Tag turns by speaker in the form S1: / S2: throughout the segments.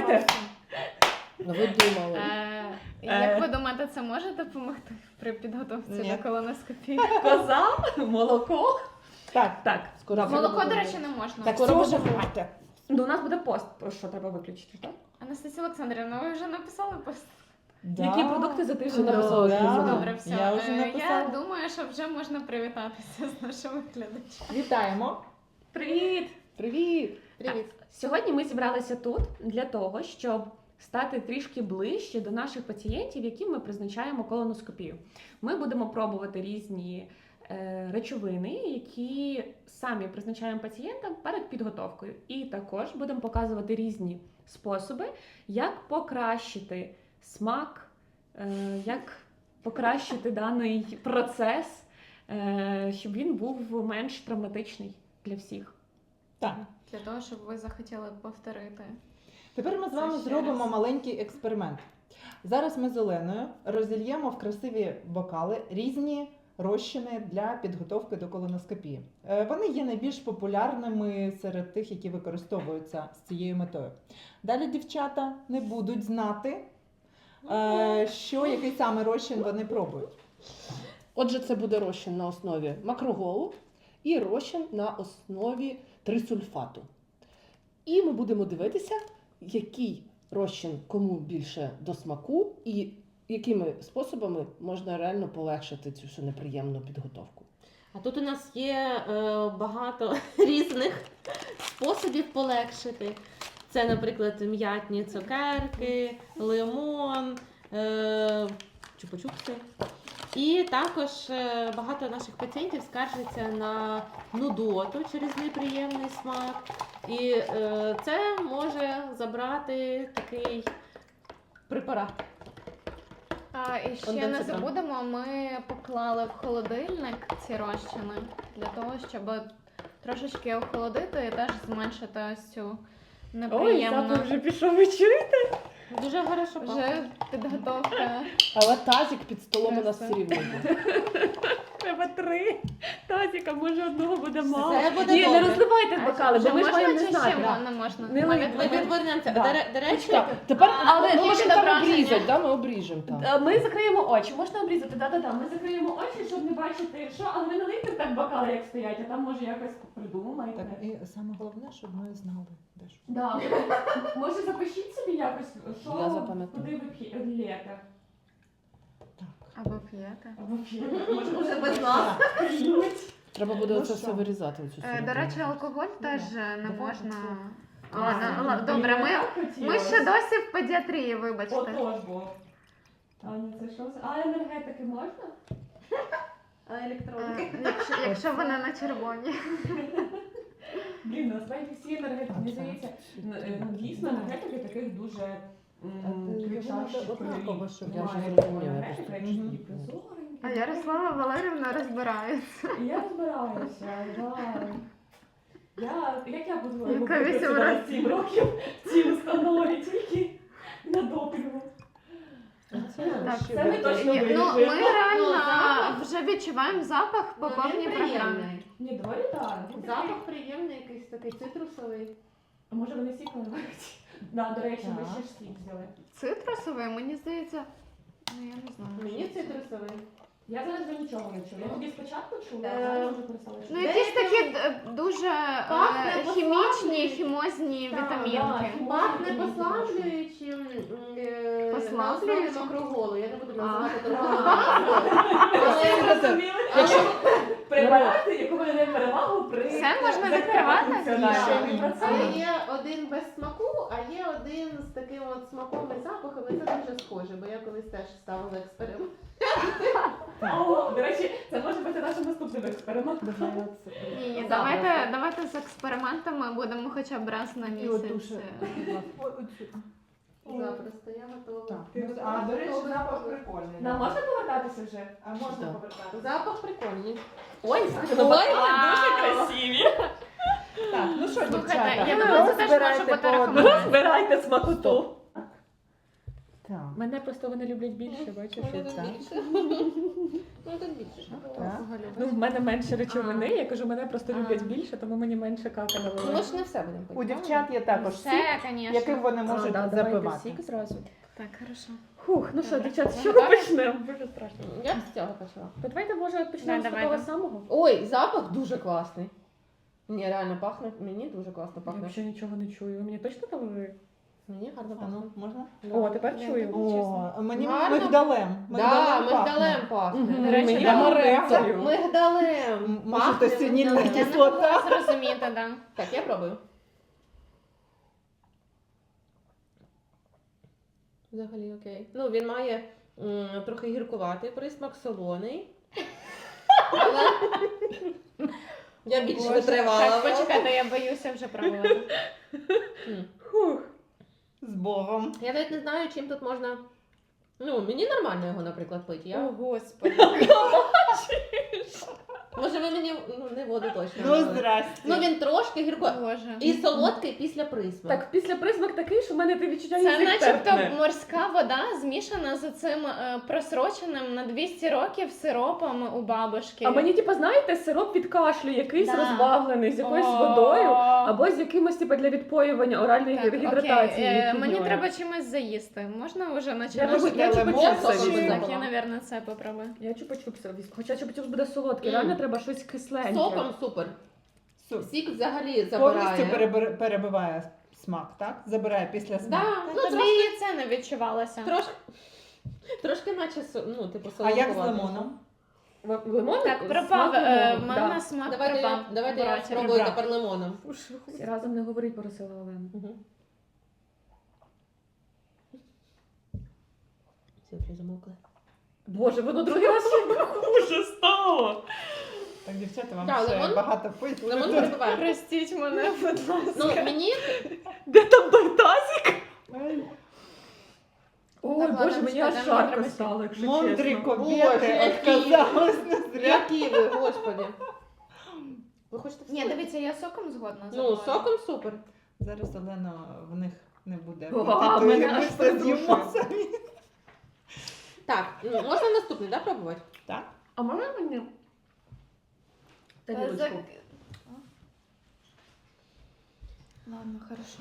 S1: думаєте?
S2: Ви думали.
S3: Як ви думаєте, це може допомогти при підготовці
S4: Ні.
S3: до колоноскопії?
S1: Коза, молоко.
S4: Так.
S2: Скоро
S3: Молоко, до речі, не можна.
S4: Так,
S2: Скоро
S4: все
S2: буде.
S4: вже.
S1: Ну, у нас буде пост, про що треба виключити, так?
S3: Анастасія Олександрівна, ви вже написали пост?
S1: Які продукти за тиждень
S2: Що написала?
S1: треба?
S3: Добре, все.
S4: Я вже
S3: Я
S4: написала.
S3: думаю, що вже можна привітатися з нашими глядачами.
S4: Вітаємо.
S1: Привіт!
S2: Привіт!
S3: Привіт.
S1: Сьогодні ми зібралися тут для того, щоб стати трішки ближче до наших пацієнтів, яким ми призначаємо колоноскопію. Ми будемо пробувати різні речовини, які самі призначаємо пацієнтам перед підготовкою. І також будемо показувати різні способи, як покращити смак, як покращити даний процес, щоб він був менш травматичний для всіх.
S4: Так.
S3: Для того, щоб ви захотіли повторити.
S4: Тепер ми з вами
S3: Це ще
S4: зробимо
S3: раз.
S4: маленький експеримент. Зараз ми з Оленою розільємо в красиві бокали різні розчини для підготовки до колоноскопії. Вони є найбільш популярними серед тих, які використовуються з цією метою. Далі дівчата не будуть знати, який саме розчин вони пробують.
S2: Отже, це буде розчин на основі макроголу і розчин на основі трисульфату. І ми будемо дивитися, який розчин кому більше до смаку і якими способами можна реально полегшити цю всю неприємну підготовку.
S5: А тут у нас є багато різних способів полегшити. Це, наприклад, м'ятні цукерки, лимон, чупа-чупси. І також багато наших пацієнтів скаржаться на нудоту через неприємний смак. І це може забрати такий препарат.
S3: І ще
S5: Онденцитron.
S3: не забудемо, ми поклали в холодильник ці розчини для того, щоб трошечки охолодити і теж зменшити ось цю неприємну
S1: вже пішов, ви чуєте?
S5: Дуже хорошо пахне.
S3: вже підготовка.
S2: Але тазик під столом у нас все рівно буде.
S1: Треба 3 тазіка, може одного буде мало.
S5: Це буде
S1: Ні, не
S5: добре.
S1: розливайте бокали, бо ми ж маємо не
S3: чи ще
S1: знати.
S3: не можна?
S1: Не
S3: Ми
S1: лийте.
S5: Ми
S3: відводимо.
S5: відвернемося.
S1: Да.
S5: До речі,
S2: Чекай, тепер
S1: Але
S2: ми
S3: тільки
S2: можемо там
S3: добрання.
S2: обрізати, да? Ми обріжемо там.
S1: Ми закриємо очі, можна обрізати, да-да-да. Ми закриємо очі, щоб не бачити, що, але ви не лийте так бокали, як стоять, а там може якось придумаєте.
S4: Так, і саме головне, щоб ми знали, де що.
S1: Да. Може запишіть собі якось, що,
S2: Я запам'ятаю.
S1: куди ви лєте.
S3: Або п'єте.
S1: Або п'єте. Може
S5: без нас.
S1: п'ють.
S2: Треба буде
S4: Ну
S2: оце
S4: що?
S2: все вирізати. Оцю
S3: До
S2: середину.
S3: речі, алкоголь теж не
S4: Давай
S3: можна.
S4: оце.
S3: Ладно, добре, ми ще досі в педіатрії, вибачте.
S1: Отож, бо. Аня, це що? А енергетики можна?
S3: Якщо вони на червоні.
S1: Блін, насправді всі енергетики, мені здається, дійсно енергетики таких дуже кричащих
S4: однаково, щоб
S2: я
S1: Немає
S2: вже
S1: такої
S2: зрозуміла,
S1: енергетики,
S2: просто.
S1: якщо
S4: Мгм.
S1: такі прозоренькі.
S3: А Ярослава Валерівна розбирається.
S1: І я розбираюся, як я буду
S3: Яка
S1: робити
S3: вісім
S1: 7 років в цій установі тільки на допінгу.
S3: Так,
S1: Це ми точно
S3: Ні,
S1: вирішимо.
S3: ми реально
S5: запах-
S3: вже відчуваємо запах по повній програмі.
S1: Ні, доволі так.
S5: Запах приємний, якийсь такий цитрусовий.
S1: А може вони сік наливають? Да, до речі, ми
S4: Так.
S1: ще ж сік взяли.
S3: Цитрусовий, мені здається, ну я не знаю.
S5: Мені цитрусовий.
S1: Я зараз вже нічого не чула. Я тоді спочатку чула, а
S5: Е,
S1: зараз вже перестала чути.
S3: Ну якісь такі дуже
S5: Пахне
S3: хімічні,
S5: послаблюючим.
S3: хімозні
S1: Так,
S3: вітамінки.
S1: да.
S5: Пахне послаблюючим
S3: Послаблюючим?
S5: на основі макроголу. Я не буду називати
S3: А.
S5: торгову назву.
S1: Всі зрозуміли, препарати, яку ми даємо перевагу при
S3: Все можна
S1: закриванні
S3: відкривати?
S1: функціональному
S5: Але
S1: процесу.
S5: є один без смаку, а є один з таким от смаком і запахом, і це дуже схоже, бо я колись теж ставила експеримент.
S1: О, до речі, це може бути нашим наступним експериментом.
S3: Ні,
S1: Запах.
S3: давайте з експериментами будемо хоча б раз на
S4: І от
S3: місяць.
S4: душе.
S5: Запросто, я готова.
S4: Так. А, до речі, запах прикольний.
S1: Нам можна повертатися вже?
S4: А можна
S2: Да.
S4: повертати?
S5: Запах прикольний.
S1: Ой,
S3: Ой,
S1: дуже красиві.
S4: Так, ну що,
S3: Слухайте,
S4: дівчата,
S3: я думаю, це теж може
S4: розбирайте
S3: бути
S4: по
S3: рекомендація.
S1: Розбирайте смакоту.
S4: Так.
S1: Мене просто вони люблять більше, бачиш?
S2: Може, тут
S4: так.
S2: більше. Ну, тут більше.
S4: Так.
S1: Ну, в мене менше речовини, я кажу, мене просто
S3: А.
S1: люблять більше, тому мені менше кака
S2: Ну, ми
S1: наливають.
S2: ж не все будемо пити.
S4: У дівчат є також сік,
S3: Все, звісно.
S4: яким вони можуть запивати.
S1: сік зразу.
S3: Так, хорошо.
S1: Фух, ну що,
S3: Добре.
S1: дівчат, з чого
S3: Готові?
S1: почнемо? Дуже страшно.
S2: Я б з цього почала.
S1: То давайте, може, почнемо
S3: Да,
S1: з такого
S3: давайте.
S1: самого?
S2: Ой, запах дуже класний. Мені реально пахне, мені дуже класно
S1: Я
S2: пахне.
S1: взагалі нічого не чую. Ви мені точно налили?
S2: Мені гарно
S4: А
S2: пахне.
S4: ну, можна?
S1: О, тепер
S3: Я
S1: чую.
S3: думаю, чесно.
S4: О, мені
S2: Гарно.
S4: мигдалем.
S2: Да,
S4: Мигдалем
S2: мигдалем пахне.
S1: Мгм.
S3: До речі,
S1: Мені
S3: да.
S1: амарантою.
S2: Мигдалем.
S4: Може,
S2: Пахне
S4: то синільна
S2: мигдалем.
S3: Я не
S4: кислота.
S3: могла зрозуміти, да.
S2: Так, я пробую. Взагалі окей. Ну, він має трохи гіркуватий присмак, солоний. Але я більш
S3: Боже,
S2: витривала.
S3: Так, почекайте, я боюся вже пробувати.
S2: М.
S1: Фух.
S4: З Богом.
S2: Я навіть не знаю, чим тут можна. Ну, мені нормально його, наприклад, пити. Я...
S3: О, Господи.
S2: Може, ви мені не воду точно.
S4: Ну,
S2: налили.
S4: здрасте.
S2: Ну, він трошки гіркуватий.
S3: Боже.
S2: І солодкий після присмак.
S1: Так, після присмак такий, що в мене ти відчуття
S3: Це
S1: язик
S3: начебто
S1: терпне.
S3: морська вода змішана з цим просроченим на 200 років сиропом у бабушки.
S1: А мені, типу, знаєте, сироп від кашлю, якийсь
S3: Да.
S1: розбавлений з якоюсь
S3: О.
S1: водою, або з якимось, типу, для відпоювання оральної
S3: Так,
S1: гідратації.
S3: окей.
S1: фігньою.
S3: Мені треба чимось заїсти. Можна вже
S1: Я
S3: починати?
S1: мабуть, я
S4: лимон,
S1: чупа-чупси
S2: соком
S1: візьму.
S2: візьму.
S3: Так, я, напевно, це попробую.
S1: Я чупа-чупси візьму. Хоча чупа-чупс буде солодкий,
S2: Мм.
S1: реально треба щось кисленьке.
S2: Соком супер.
S4: Су-
S2: Сік взагалі
S4: Повністю
S2: забирає.
S4: перебиває смак, так? Забирає після
S2: Да,
S4: смаку.
S2: ну,
S3: Тобі і це не відчувалося.
S2: трошки наче, ну, типу,
S4: А як з
S2: солодкувато.
S4: лимоном?
S1: Лимон?
S3: Так, пропав. В мене
S1: Да.
S3: смак
S2: Давайте,
S3: пропав.
S2: давайте я
S3: Братя.
S2: спробую
S4: Прибрати.
S2: тепер лимоном.
S1: Всі разом не говорить, просила Олена.
S2: Все, вже замовкли.
S1: Боже, воно другий раз ще хуже стало.
S4: Так, дівчата, вам
S2: Так,
S4: ще
S2: лимон?
S4: багато пити.
S2: Лимон перебиває.
S3: Простіть мене, будь ласка.
S2: Ну, мені
S1: Де там той тазик?
S4: Ой,
S1: Ой,
S3: Так,
S1: Боже,
S3: ладно,
S1: мені аж
S3: чекайте, мені
S1: жарко
S3: треба
S1: стало, якщо
S4: Мондрі
S1: чесно.
S2: Боже,
S4: кобєти
S2: які-
S4: отказалась не зря.
S2: які ви, господи. Ви хочете все?
S3: Ні, дивіться, я соком згодна.
S2: Ну,
S3: забула.
S2: соком супер.
S4: Зараз Олена в них не буде.
S1: О,
S4: апетиту,
S1: мене
S4: і ми
S1: аж
S4: все з'їмо
S1: придушує.
S4: самі.
S2: Так, ну, можна наступний, да, пробувати?
S4: Так?
S1: А можна мені? Тарілочку.
S3: Ладно, хорошо.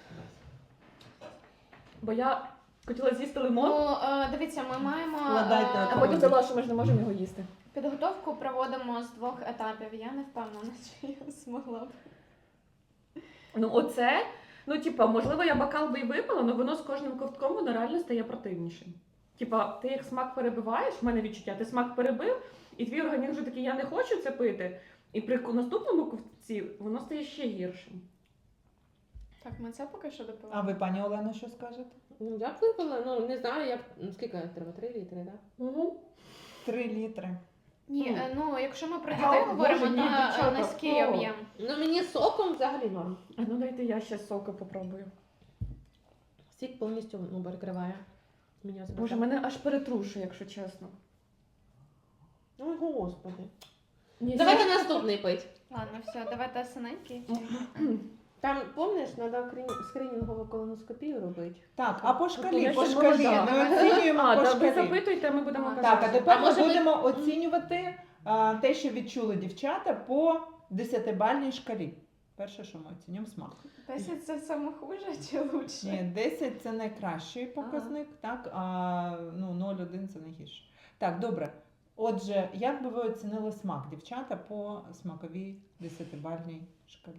S1: Бо я хотіла з'їсти лимон,
S3: Ну, дивіться, ми маємо
S4: Вкладайте
S1: а
S4: отак.
S1: потім дала, що ми ж не можемо його їсти.
S3: підготовку проводимо з 2 етапів. Я не впевнена, чи я змогла б.
S1: Ну оце, ну типа, можливо, я бокал би і випила, але воно з кожним ковтком воно реально стає противнішим. Типа, ти як смак перебиваєш, в мене відчуття, ти смак перебив, і твій організм вже такий, я не хочу це пити. І при наступному ковтці воно стає ще гіршим.
S3: Так, ми це поки що
S4: А
S3: допиваємо.
S4: ви, пані Олено, що скажете?
S2: Ну, я б випила, ну, не знаю, як, скільки треба, 3 літри, так? Да?
S1: Угу.
S4: 3 літри.
S3: Ні, ну якщо ми про
S1: А,
S3: дітей говоримо,
S1: Боже, ні,
S3: то
S1: дівчата,
S3: низький
S1: о.
S3: об'єм.
S2: Ну, мені соком взагалі норм.
S1: А ну дайте я ще соку попробую.
S2: Сік повністю ну, перекриває. Мені особисто.
S1: Боже, мене аж перетрушує, якщо чесно.
S2: Ой, господи.
S1: Ні,
S2: Давайте наступний пить.
S3: Ладно, все, давайте синенький.
S2: Там, помниш, треба скринінгову колоноскопію робити.
S4: Так, а по
S1: Я
S4: шкалі,
S1: ще
S4: по шкалі.
S1: молода.
S4: Ми оцінюємо
S1: А,
S4: по
S1: так, ви
S4: шкалі.
S1: запитуйте, ми будемо
S3: Так,
S1: казати.
S4: Так, а тепер
S2: А може
S4: ми
S2: ви-
S4: будемо оцінювати те, що відчули дівчата по 10-бальній шкалі. Перше, що ми оцінюємо смак.
S3: 10 це саме хуже чи лучше?
S4: Ні, 10 це найкращий показник, так, а ну, 0,1 це найгірше. Так, добре. Отже, як би ви оцінили смак, дівчата, по смаковій 10-бальній шкалі?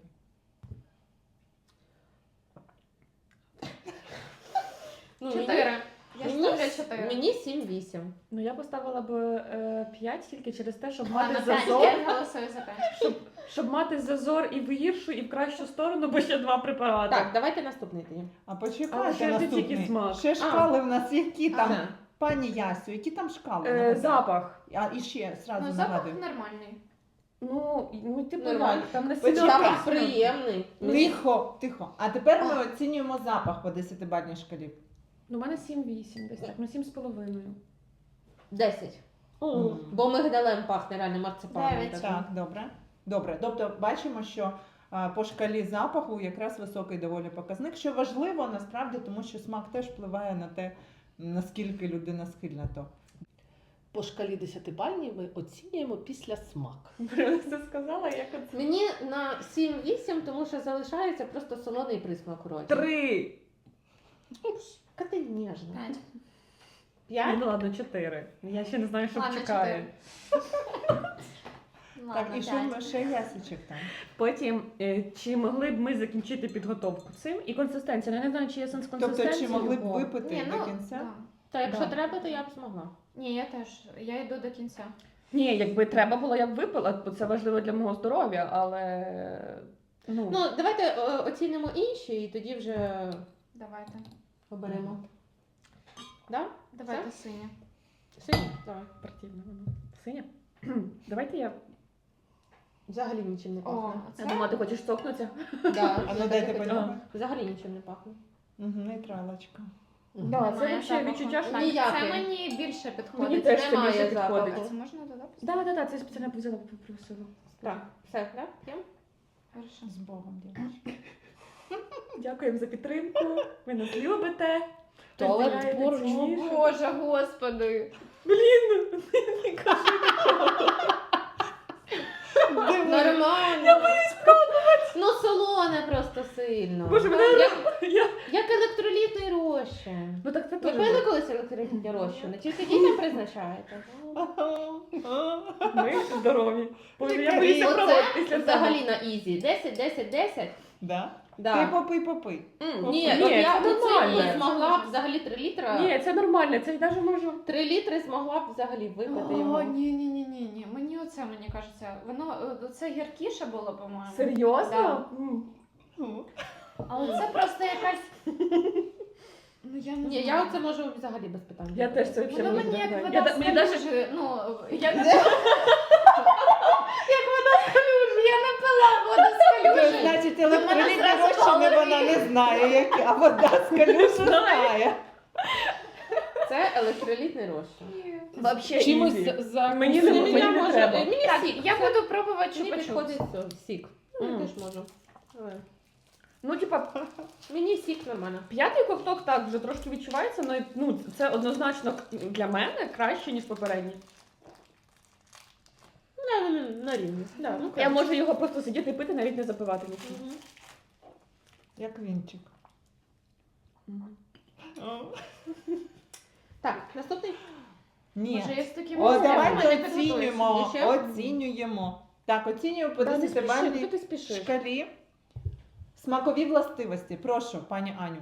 S2: Ну,
S3: 4. Я ставлю 4.
S2: Мені 7-8.
S1: Ну я поставила б 5 тільки через те, щоб
S3: Ладно,
S1: мати
S3: 5.
S1: зазор.
S3: Я голосую за 5.
S1: Щоб мати зазор і в гіршу, і в кращу сторону, бо ще 2 препарати.
S2: Так, давайте наступний тоді.
S4: А
S1: Але
S4: почекайте
S1: ще ж не тільки
S4: наступний.
S1: смак.
S4: Ще шкали в нас які там,
S2: Ага.
S4: пані Ясю, які там шкали? Нагадаю.
S1: Запах.
S4: А і ще зразу
S3: Ну, запах
S4: нагадую.
S3: нормальний.
S1: Ну, типу,
S2: Нормально.
S1: як, там не
S4: Почекай.
S1: сильно
S2: Запах
S1: кисло.
S2: приємний.
S4: Тихо, тихо. А тепер ми оцінюємо запах по 10-бальній шкалі.
S1: Ну, у мене 7-8 десь так, ну 7,5.
S2: 10.
S4: Мгм.
S2: Бо мигдалем пахне реально марципаном.
S3: 9.
S2: таким.
S4: Так, добре. Добре. Тобто бачимо, що по шкалі запаху якраз високий доволі показник, що важливо насправді, тому що смак теж впливає на те, наскільки людина схильна то.
S2: По шкалі 10-бальній ми оцінюємо після смак.
S1: Це сказала, як оце.
S5: Мені на 7-8, тому що залишається просто солоний присмак у роті.
S1: 3.
S5: Яка ти ніжна.
S3: 5.
S5: 5?
S1: Ну ладно, 4. Я ще не знаю, що
S3: Ладно,
S1: чекає.
S3: 4.
S4: Так, і що ще ясичок там?
S1: Потім, чи могли б ми закінчити підготовку цим? І консистенція. Ну, я не знаю, чи є сенс
S4: Тобто,
S1: консистенції.
S4: чи могли б
S1: бо-
S4: випити
S3: Ні,
S4: до
S3: ну,
S4: кінця?
S3: да.
S5: Та якщо
S1: Да.
S5: треба, то я б змогла.
S3: Ні, я теж. Я йду до кінця.
S1: Ні, якби треба було, я б випила, бо це важливо для мого здоров'я, але. Ну,
S5: Ну, давайте оцінимо інші і тоді вже
S3: Давайте.
S5: оберемо. Да?
S3: Давайте синя.
S5: Синій? Давай.
S1: противно воно. Синя? Давайте я.
S5: Взагалі нічим не
S3: О,
S5: пахне.
S1: Я думала, ти хочеш цокнутися?
S5: Да,
S4: А ну
S5: я
S4: дайте
S5: так і хотіла.
S4: понюхати.
S5: Взагалі нічим не пахне.
S4: Угу, нейтралочка.
S1: Да, це
S3: Немає
S1: взагалі
S3: запаху.
S1: відчуття, що.
S3: Так,
S5: Ніякий.
S3: Це мені більше
S1: Мені
S3: підходить.
S1: теж це
S5: немає
S1: більше
S5: запаху.
S1: підходить.
S3: А це можна додати?
S1: Да, це я спеціально взяла попросила.
S5: Так, все, да? П'ємо?
S3: Хорошо.
S4: З Богом, дівчатки.
S1: Дякуємо за підтримку. Ви нас любите.
S2: Туалет
S1: розділяєте
S2: поруч.
S1: ці
S5: О
S1: ніжки.
S5: Боже, господи.
S1: Блін, не кажи такого.
S5: Нормально. Я боюсь пробувати. Ну, солоне просто сильно.
S1: Боже, мене я.
S5: Як електролітний розчин.
S1: Ну так це
S5: Ви
S1: теж.
S5: пили колись електролітні розчини? Тільки дітям призначаєте?
S1: Ми здорові. Боже, я
S4: Оце
S1: боюся
S5: Оце
S1: пробувати після
S5: взагалі на ізі. 10, 10, 10.
S4: Да?
S5: Да.
S4: Ти попий.
S5: Ні,
S1: Ні,
S5: от я
S1: це
S5: оце
S1: нормально.
S5: змогла б взагалі 3 літра.
S1: Ні, це нормально, це я навіть можу.
S5: 3 літри змогла б взагалі випити його.
S3: О, ні. Мені оце, мені кажеться, воно це гіркіше було, по-моєму.
S1: Серйозно?
S3: Да. Але це просто якась. Ну я не
S5: Ні,
S3: знаю.
S5: я оце можу взагалі без питань.
S1: Я теж це взагалі
S3: Воно
S1: можу.
S3: мені як
S1: Я
S3: вода
S1: да-
S3: з
S1: мені даже-
S3: калюжі. Ну, я не пила. Як вода з калюжі. Я не пила воду з калюжі.
S4: Значить,
S3: мене
S4: електролітні
S3: зразу
S4: розчини вона
S3: алергія.
S4: не знає, які, а вода з калюжі знає.
S5: Це електролітний розчин.
S1: Вообще
S2: Чимось
S1: ізі.
S2: за
S1: Мені не-
S5: Мені
S1: мені не
S5: може-
S1: треба.
S5: Мені
S3: Так,
S5: сік.
S3: я буду пробувати
S5: Мені
S3: чупа-чупс.
S5: підходить сік. Ну, я
S1: Мм.
S5: теж можу. Давай.
S1: Ну, типа,
S5: Мені сік нормально.
S1: п'ятий ковток так вже трошки відчувається, але ну, це однозначно для мене краще, ніж попередній.
S5: На рівні. Да, ну,
S1: Я можу його просто сидіти і пити, навіть не запивати нічим.
S5: Мгм.
S4: Як вінчик.
S5: Так, наступний.
S4: Ні.
S3: Може, я з таким
S4: О,
S3: розміром
S4: давайте
S3: не підготуюсь.
S4: оцінюємо.
S5: Ще?
S4: Оцінюємо. Так, оцінюємо по
S1: Та не спіши,
S4: 10-бальній
S1: куди ти спішиш?
S4: шкалі. Смакові властивості. Прошу, пані Аню.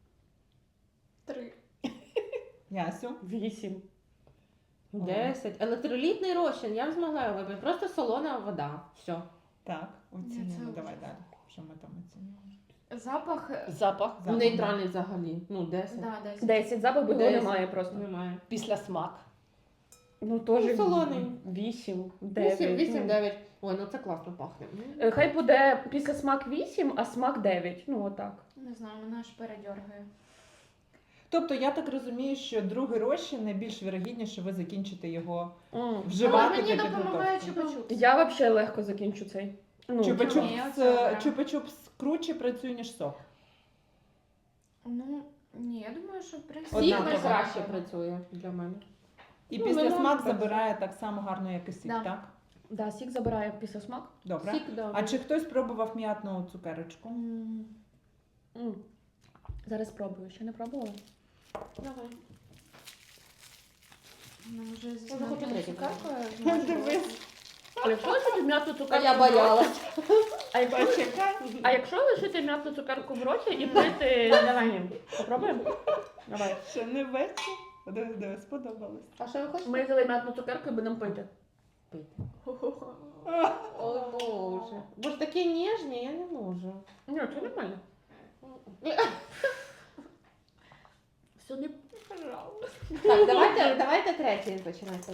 S3: 3.
S4: Ясю.
S1: 8.
S5: 10. Електролітний розчин. Я б змогла його випити. Просто солона вода. Все.
S4: Так, оцінюємо.
S3: це
S4: Давай
S3: ужас.
S4: далі. Що ми там оцінюємо?
S3: Запах.
S2: Запах
S4: Запах.
S5: Нейтральний взагалі. Ну, 10.
S3: Да, 10.
S1: 10. Запах його
S5: 10.
S1: немає просто.
S5: Немає.
S2: після смак.
S1: Ну, теж
S5: Ну, солоний.
S1: 8, 9.
S5: 8, 9. Ой, ну це класно пахне.
S1: Хай буде після смак 8, а смак 9. Ну, отак.
S3: Не знаю, мене аж передьоргає.
S4: Тобто, я так розумію, що другий розчин найбільш вірогідніше ви закінчите його
S3: Але
S4: вживати
S3: мені
S4: для
S3: допомагає
S4: підготовки.
S3: чупа-чупс.
S1: Я взагалі легко закінчу цей. Ну,
S3: Ні,
S4: Чупа-чупс
S3: оце беремо.
S4: чупа-чупс круче працює, ніж сок.
S3: Ну, ні, я думаю, що в принципі.
S4: Одна
S5: Сік
S4: така.
S5: найкраще працює для мене.
S4: І
S5: Ну,
S4: після
S5: воно
S4: смак
S5: працює.
S4: забирає так само гарно, як і сік,
S3: Да.
S4: так?
S1: Да, сік забирає після смак.
S4: Добре.
S5: Сік, да.
S4: А чи хтось пробував м'ятну цукерочку?
S1: М. Зараз спробую, ще не пробувала.
S5: Давай.
S3: Ну, вже зі
S5: Я хочу
S3: смаком
S5: третій.
S3: цукеркою.
S4: Дивись.
S1: А якщо лишити м'ятну
S5: А
S1: цукерку
S5: я
S1: в роті-
S5: боялась.
S1: А якщо лишити м'ятну цукерку в роті і пити давай, попробуємо? Давай.
S4: Ще не вечір. Диви, сподобалось.
S5: А що ви хочете?
S1: Ми взяли м'ятну цукерку і будемо пити.
S5: Пити. Ой, Боже. Бо ж такі ніжні, я не можу.
S1: Ні, це нормально. Все не
S5: Так, давайте третій починати.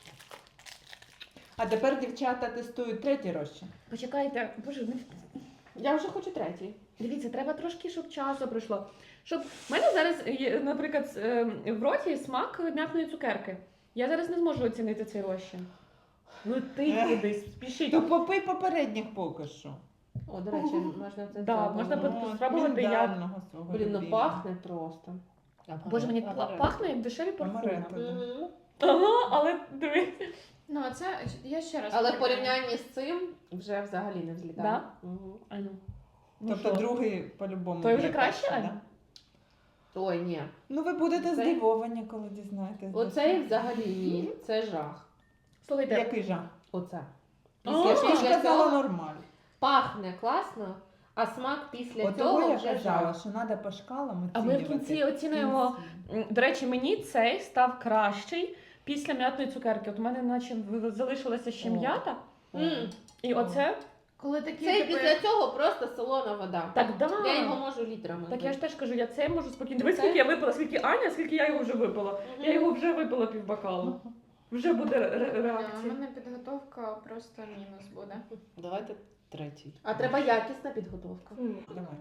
S4: А тепер дівчата тестують третій розчин.
S1: Почекайте, боже,
S5: Я вже хочу третій.
S1: дивіться, треба трошки, щоб часу пройшло. Щоб в мене зараз є, наприклад, в роті смак м'ятної цукерки. Я зараз не зможу оцінити цей розчин. Ну ти кудись, спішіть.
S4: То попий попередніх поки що.
S5: О, до речі, можна це
S1: Да,
S5: взяти.
S1: можна
S5: Ну,
S1: спробувати, як-
S4: Міндального свого
S5: Блін, ну
S4: любимого.
S5: пахне просто.
S1: Боже, мені
S2: Амаретто.
S1: пахне як дешеві парфуми.
S4: Амаретто.
S5: Мгм.
S1: Ага, але дивись.
S3: Ну, це я ще раз.
S5: Але в
S3: порівняю.
S5: порівнянні з цим вже взагалі не взлітає.
S1: Да?
S5: Мгм.
S1: Ану.
S4: Тобто другий по-любому.
S1: Той вже
S4: буде
S1: краще,
S4: перший,
S1: Аня?
S4: да?
S5: Ой, ні.
S4: Ну ви будете
S5: Цей?
S4: здивовані, коли дізнаєтесь.
S5: Оцей взагалі ні. Це жах.
S1: Слухайте,
S4: Який жах?
S5: Оце.
S1: А,
S4: Я ж
S5: Після
S4: казала
S5: цього
S4: нормально.
S5: пахне класно, а смак після
S4: От
S5: цього
S4: того я
S5: вже
S4: казала,
S5: жах.
S4: що треба по шкалам
S1: а ми в
S4: оцінювати.
S1: кінці оцінюємо.
S4: Кінці.
S1: До речі, мені цей став кращий після м'ятної цукерки. От у мене наче залишилася ще
S4: О.
S1: м'ята.
S5: М.
S1: І оце.
S3: Коли такі
S5: Цей
S3: типи-
S5: після цього просто солона вода.
S1: Так, да.
S5: Я його можу літрами.
S1: Так я ж
S5: пити.
S1: теж кажу, я це можу спокійно. Дивись,
S5: Це?
S1: скільки я випила, скільки Аня, скільки я його вже випила.
S5: Мгм.
S1: Я його вже випила півбокалу. Вже буде
S3: У
S1: реакція.
S3: мене підготовка просто мінус буде.
S2: Давайте третій.
S5: А треба якісна підготовка.
S4: Давай.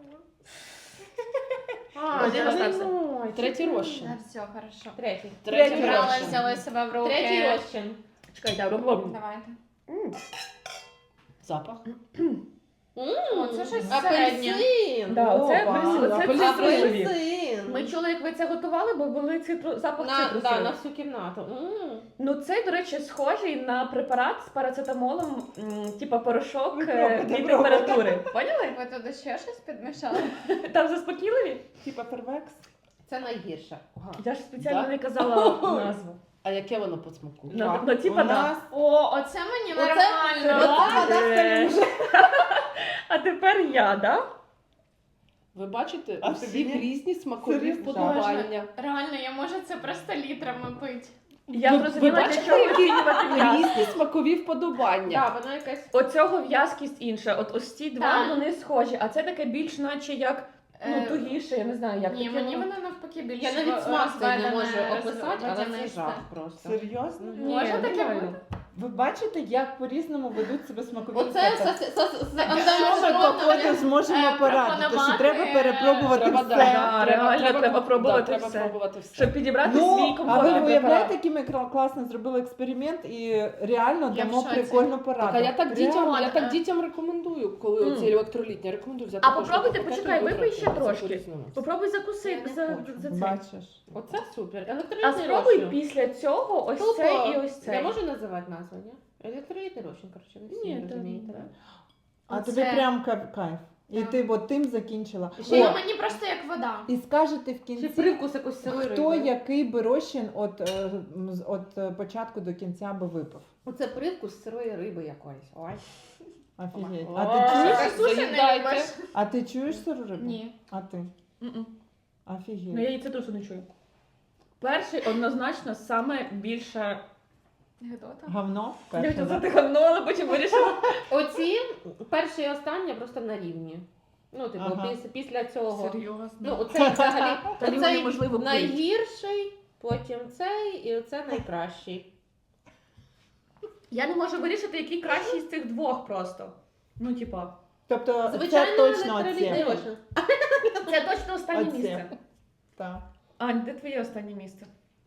S1: Один остався.
S2: Третій розчин.
S3: Да, все, хорошо.
S5: Третій.
S2: Третій
S3: Брали,
S2: розчин.
S3: взяли себе в руки.
S5: Третій розчин.
S1: Чекай, да, робимо.
S3: Давайте.
S2: Запах.
S3: О, це щось середнє.
S5: Апельсин.
S1: Да, оце
S4: Опа,
S1: апельсин, оце
S2: апельсин.
S1: цитрусові.
S5: Апельсин.
S1: Ми чули, як ви це готували, бо були запах
S5: На,
S1: цитрусовий.
S5: да, на всю кімнату.
S1: Ну цей, до речі, схожий на препарат з парацетамолом, типа порошок
S4: Ви пробуйте,
S1: температури. Поняли?
S3: Ви туди ще щось підмішали?
S1: Там заспокійливі?
S4: Типа первекс.
S5: Це найгірше. Ага.
S1: Я ж спеціально
S2: Да?
S1: не казала назву.
S2: А яке воно по смаку?
S1: Ну, типа,
S4: У
S1: да.
S4: нас
S3: О, оце мені
S5: Оце-
S3: нормально.
S1: Клас. А тепер я, да?
S2: Ви бачите,
S4: А
S2: у
S4: тобі
S2: всіх
S4: ні?
S2: різні смакові
S4: Серйозно?
S2: вподобання.
S3: Реально, я можу це просто літрами пити.
S1: Я
S2: Ви
S1: зрозуміла, для
S2: бачите,
S1: чого
S2: які
S1: оцінювати в'язкість.
S2: різні смакові вподобання.
S5: Да, вона якась.
S1: Оцього в'язкість інша. От ось ці два,
S3: Так.
S1: вони схожі, а це таке більш наче як, ну,
S3: Е,
S1: тугіше, я не знаю, як.
S3: Ні,
S1: таке
S3: мені
S1: воно.
S3: воно навпаки більше.
S5: Я навіть смак цей не
S3: розведене,
S5: можу описати, але це
S3: водянисте.
S5: жах просто.
S4: серйозно?
S1: Ні,
S3: Можна таке
S1: нереально.
S3: бути?
S4: Ви бачите, як по-різному ведуть себе смакові
S5: Оце
S4: рецепти?
S5: Антоном
S4: Що ми потім зможемо порадити, що треба перепробувати
S2: Треба,
S4: все.
S1: да, реально треба пробувати
S2: треба
S1: все.
S2: пробувати все.
S1: Щоб підібрати свій
S4: Ну, а ви
S1: комфортний
S4: уявляєте,
S1: препарат.
S4: який ми класно зробили експеримент і реально
S3: Я в
S4: дамо
S3: шоці.
S4: прикольну пораду.
S2: Так, а я так дітям,
S3: Реально.
S2: я так дітям рекомендую, коли
S1: Мм.
S2: оці електролітні, рекомендую взяти.
S1: А
S2: кожного
S1: попробуйте,
S2: пакету
S1: почекай,
S2: і
S1: випий ще
S2: витратити.
S1: трошки.
S2: Це по-різному.
S1: Попробуй закусити
S3: Я не
S1: за
S3: хочу.
S1: це.
S4: Бачиш.
S5: Оце супер.
S1: А
S5: Електролітний
S1: спробуй
S5: розчин.
S1: після цього ось
S5: Тупо.
S1: цей і ось цей.
S5: Я можу називати назву, ні? Електролітний розчин, коротше, ви всі
S1: Ні,
S5: розумієте,
S1: та-
S5: да?
S4: А
S3: Оце-
S4: тобі прям кайф. І
S3: Так.
S4: ти от тим закінчила.
S3: Ще
S4: О,
S3: мені просто як вода.
S4: і скажете в
S5: Чи
S4: кінці,
S5: привкус якось сирої
S4: хто
S5: риби.
S4: який би розчин от початку до кінця би випив.
S5: Оце привкус сирої риби якоїсь. Ой.
S4: Офігеть.
S2: О,
S4: А ти чуєш?
S3: Ти суші не
S2: заїдайте.
S3: любиш?
S4: А ти чуєш сиру рибу?
S3: Ні.
S4: А ти?
S1: М-м.
S4: Офігеть.
S1: Ну я її цитрусу не чую. Перший однозначно саме більше.
S3: Гедота.
S4: Говно?
S1: Я
S4: Перше,
S1: хотіла
S4: да?
S1: сказати говно, але потім вирішила.
S5: Оці перші і останні просто на рівні. Ну, типу,
S4: Ага.
S5: після цього.
S1: Серйозно.
S5: Ну, оцей взагалі
S1: Та його
S5: оцей
S1: неможливо пити.
S5: найгірший, потім цей і оце найкращий.
S1: Я не можу вирішити, який кращий з цих двох просто. Ну, типа,
S4: Тобто
S5: Звичайно,
S4: це точно
S5: електролітний
S4: оце.
S5: розчин.
S1: це точно останнє
S4: Оце.
S1: місце.
S4: Так.
S1: Ань, де твоє останнє місце?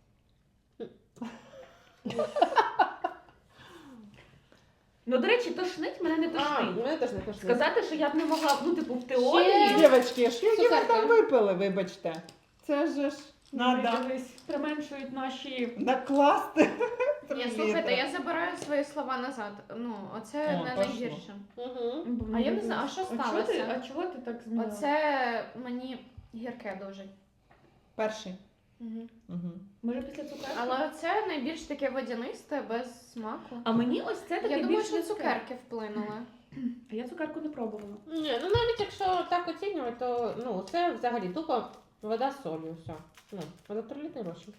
S1: Ну, до речі, тошнить мене не
S5: А,
S1: тошнить.
S5: мене теж не тошнить.
S1: Сказати, що я б не могла, ну, типу, в теорії.
S5: Ще-
S4: Дівчатки, що які ви
S5: Цукерки.
S4: там випили, вибачте? Це ж
S1: Ну,
S4: надо
S1: дивись, применшують наші.
S4: накласти.
S3: Ні, слухайте, я забираю свої слова назад. Ну, оце
S4: О,
S3: не
S4: пошло.
S3: найгірше.
S5: Угу.
S3: А я не знаю, а що сталося?
S1: А чого ти так змінила?
S3: Оце мені гірке дуже.
S4: Перший.
S3: Угу.
S4: Угу.
S1: Може після цукерки?
S3: Але це найбільш таке водянисте, без смаку.
S1: А мені ось це таке
S3: Я думаю,
S1: більш
S3: що
S1: різке.
S3: цукерки вплинули.
S1: А я цукерку не пробувала.
S5: Ні, ну навіть якщо так оцінювати, то ну, це взагалі тупо вода з солью, все. Ну, електролітний розчин.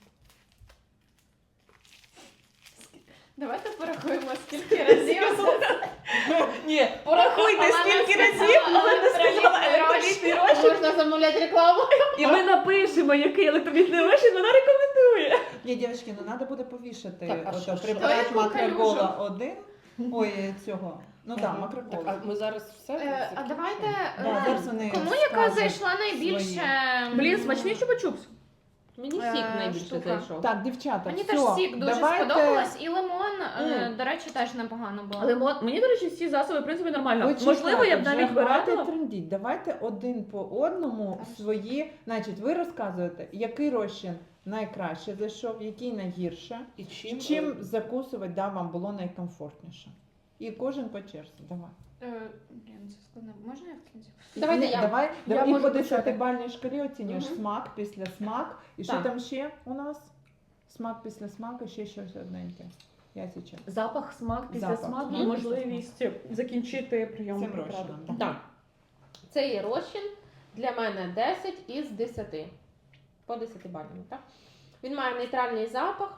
S3: Давайте порахуємо, скільки разів.
S1: Ні, порахуйте,
S3: Вона
S1: скільки
S3: не
S1: разів,
S3: сказала
S1: але не сказала
S3: електролітний
S1: електролітний розчин.
S5: Можна замовляти рекламу.
S1: І ми напишемо, який електролітний розчин вона рекомендує.
S4: Ні, дівчатки, ну треба буде повішати
S2: Так, а
S4: ото
S2: що?
S4: препарат
S3: Яку
S4: макрогола 1. Ой, цього. Ну так,
S2: Так,
S4: макрогола.
S2: а ми зараз все.
S3: А
S2: закінчимо?
S3: давайте.
S4: Да, зараз вони
S3: Кому яка
S4: скажуть
S3: зайшла найбільше?
S4: свої.
S1: Блін, смачний чупа-чупс.
S6: Мені сік найбільше
S3: штука.
S6: зайшов.
S4: Так, дівчата,
S3: Мені
S4: все,
S3: теж сік дуже
S4: давайте...
S3: сподобалось, і лимон, до речі, теж непогано було.
S1: Але мені, до речі, всі засоби, в принципі, нормально.
S4: Почекайте,
S1: Можливо, я б
S4: вже
S1: навіть би
S4: хватить
S1: радила.
S4: трендіть. Давайте один по одному
S3: Хорошо.
S4: свої. Значить, ви розказуєте, який розчин найкраще зайшов, який найгірше,
S2: І чим,
S4: чим закусувати вам було найкомфортніше. І кожен по черзі. Давай.
S3: Блін, це складно. Можна я в кінці?
S6: Давайте
S4: Ні,
S6: я.
S4: давай
S1: Я
S4: і
S1: можу
S4: по
S1: почати.
S4: 10-бальній шкалі оцінюєш
S6: Мгм.
S4: смак після смак. І що
S6: Так.
S4: там ще у нас? Смак після смаку, ще щось одненьке. Я сейчас.
S1: Запах, смак, після
S4: Запах,
S1: смак
S4: смак,
S1: і можливість закінчити прийом
S4: Цим
S1: препарату.
S4: розчином.
S6: Так. Це є розчин для мене 10 із 10. По 10 бальному, так? Він має нейтральний запах.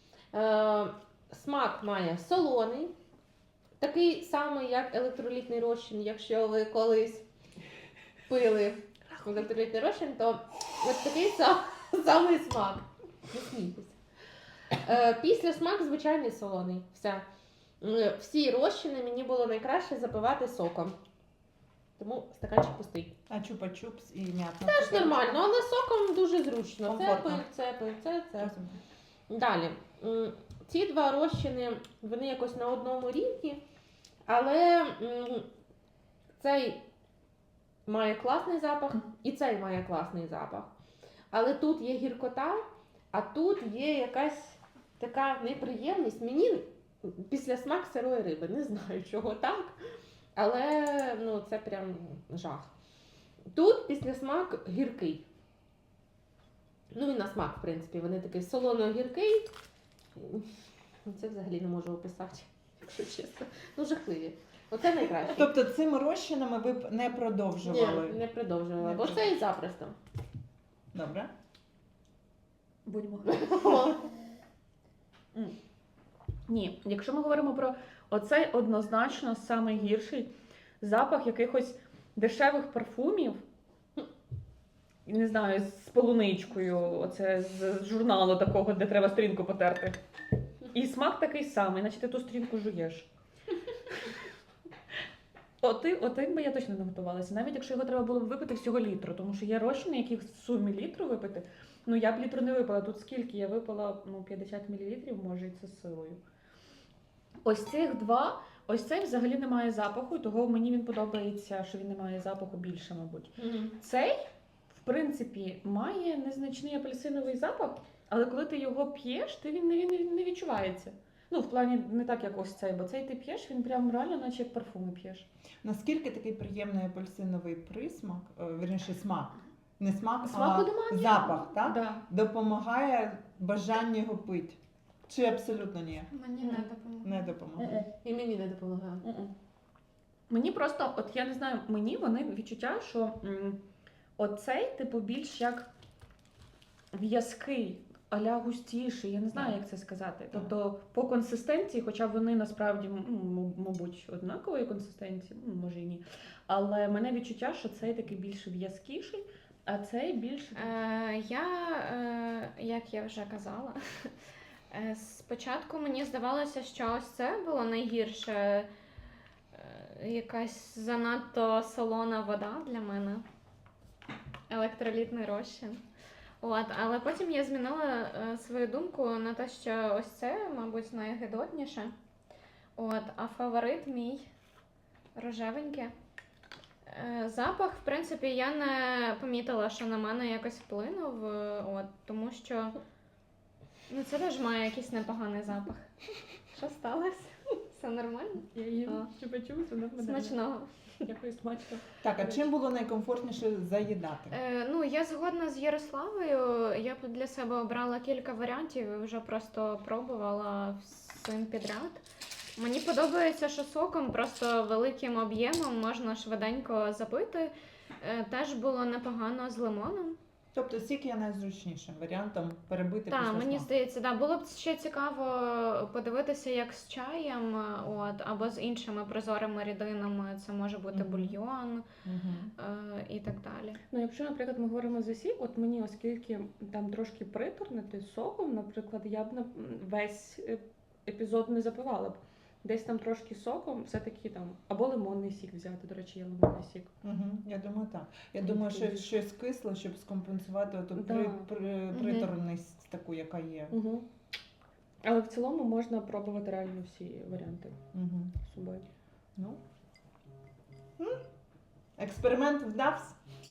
S6: Смак має солоний. Такий самий, як електролітний розчин. Якщо ви колись пили електролітний розчин, то ось такий самий смак. Не смійтеся. Після смак звичайний солоний. Все. Всі розчини мені було найкраще запивати соком. Тому стаканчик пустий.
S4: А чупа-чупс і м'ятна.
S6: Теж нормально, але соком дуже зручно.
S4: Комфортно.
S6: Це. Далі. Ці два розчини, вони якось на одному рівні, але цей має класний запах і цей має класний запах. Але тут є гіркота, а тут є якась така неприємність. Мені після смак сирої риби, не знаю чого так, але це прям жах. Тут після смак гіркий. Ну і на смак, в принципі, вони такий солоно-гіркий. Це взагалі не можу описати, якщо чесно. Жахливі. Оце найкраще.
S4: Тобто цими розчинами ви б не продовжували?
S6: Ні, не продовжувала,
S4: Не
S6: бо це і запросто.
S4: Добре.
S1: Будьмо. Ні, якщо ми говоримо про оцей однозначно самий гірший запах якихось дешевих парфумів, не знаю, з полуничкою, оце з журналу такого, де треба сторінку потерти. І смак такий самий, наче ти ту сторінку жуєш. Отим би я точно не готувалася, навіть якщо його треба було б випити всього літру, тому що є розчини, які в сумі літру випити. Я б літру не випила. Тут скільки? Я випила 50 мл, може, і це з силою. Ось цих два, ось цей взагалі не має запаху, того мені він подобається, що він не має запаху більше, мабуть. Цей, в принципі, має незначний апельсиновий запах, але коли ти його п'єш, він не відчувається. В плані не так, як ось цей, бо цей ти п'єш, він прям реально, наче як парфуми п'єш.
S4: Наскільки такий приємний апельсиновий присмак, вірніше смак, не смак,
S1: Смак
S4: а
S1: немає.
S4: запах, так?
S1: Да.
S4: Допомагає бажання його пити? Чи абсолютно ні?
S3: Мені не допомогло.
S4: Не допомагає.
S1: Мгм.
S6: І мені не допомагає.
S1: Мгм. Мені просто, я не знаю, вони відчуття, що оцей, більш як в'язкий, а-ля густіший, я не знаю, як це сказати. Тобто по консистенції, хоча вони насправді, мабуть, однакової консистенції, може і ні. Але мене відчуття, що цей такий більш в'язкіший, а цей більш...
S3: Як я вже казала, спочатку мені здавалося, що ось це було найгірше. Якась занадто солона вода для мене. Електролітний розчин. Але потім я змінила свою думку на те, що ось це, мабуть, найгидотніше. А фаворит мій рожевеньке. Запах, в принципі, я не помітила, що на мене якось вплинув, тому що це теж має якийсь непоганий запах. Що сталося? Все нормально?
S1: Я її
S3: А.
S1: почула, це нормально.
S3: Смачного.
S1: Дякую, смачно.
S4: Так, а чим було найкомфортніше заїдати?
S3: Я згодна з Ярославою. Я б для себе обрала кілька варіантів і вже просто пробувала всім підряд. Мені подобається, що соком просто великим об'ємом можна швиденько запити. Теж було непогано з лимоном.
S4: Тобто сік є найзручнішим варіантом перебити
S3: Так,
S4: після
S3: мені
S4: смаку.
S3: здається, було б ще цікаво подивитися, як з чаєм, або з іншими прозорими рідинами. Це може бути
S4: Мгм.
S3: бульйон
S4: Мгм.
S3: і так далі.
S1: Якщо, наприклад, ми говоримо за сік, мені, оскільки там трошки приторнити соком, наприклад, я б весь епізод не запивала б. десь там трошки соком, все-таки там, або лимонний сік взяти, до речі, є лимонний сік.
S4: Я думаю, так. Я
S1: Там
S4: думаю,
S1: такий
S4: що щось кисле, щоб скомпенсувати оту
S1: Да.
S4: приторність таку, яка є.
S1: Угу. Але в цілому можна пробувати реально всі варіанти
S4: Угу.
S1: з собою.
S4: Ну. Експеримент вдався.